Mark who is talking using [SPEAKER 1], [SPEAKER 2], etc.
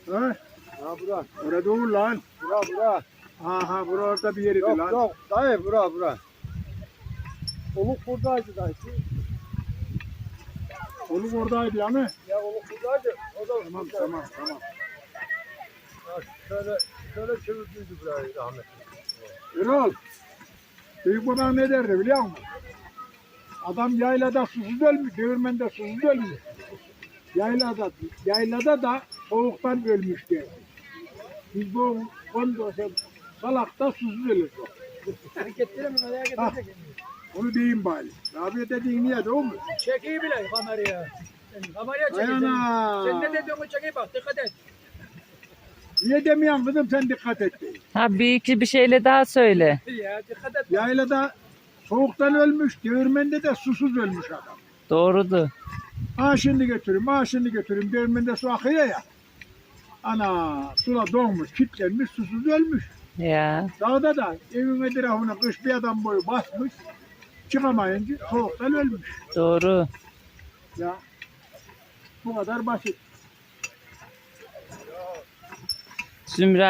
[SPEAKER 1] Ha?
[SPEAKER 2] Ha bura.
[SPEAKER 1] Orada olur lan.
[SPEAKER 2] Bura.
[SPEAKER 1] Aha bura orada bir yeriydi
[SPEAKER 2] Yok
[SPEAKER 1] lan.
[SPEAKER 2] yok. Dayı bura. Oluk buradaydı dayı.
[SPEAKER 1] Oluk oradaydı ya mı?
[SPEAKER 2] Ya oluk buradaydı. O da
[SPEAKER 1] Tamam
[SPEAKER 2] buradaydı.
[SPEAKER 1] tamam.
[SPEAKER 2] Ha, şöyle çevirdiydi burayı rahmetli.
[SPEAKER 1] Erol. Büyük babam ne derdi biliyor musun? Adam yaylada susuz ölmüş, değirmende susuz ölmüş. Yaylada da soğuktan ölmüş diye. Biz bu ondan salakta susuz ölürüz.
[SPEAKER 2] Hareketleri mi merak edecek?
[SPEAKER 1] Onu diyeyim bari. Rabia dediğin niye de o mu?
[SPEAKER 2] Çekiyi bile kameraya. Kameraya çekeceğim.
[SPEAKER 1] Ayana.
[SPEAKER 2] Sen ne dediğini çekeyim bak dikkat et.
[SPEAKER 1] Niye demiyorsun kızım sen dikkat et diye.
[SPEAKER 3] Ha bir iki bir şeyle daha söyle.
[SPEAKER 2] Ya dikkat et.
[SPEAKER 1] Yaylada soğuktan ölmüş, değirmende de susuz ölmüş adam.
[SPEAKER 3] Doğrudur.
[SPEAKER 1] Şimdi götüreyim. Değirmende su akıyor ya. Ana sula donmuş, kilitlenmiş, susuz ölmüş.
[SPEAKER 3] Ya
[SPEAKER 1] Dağda da evin etrafına kış bir adam boyu basmış. Çıkamayınca soğuktan ölmüş.
[SPEAKER 3] doğru.
[SPEAKER 1] Ya bu kadar basit.
[SPEAKER 3] Zümra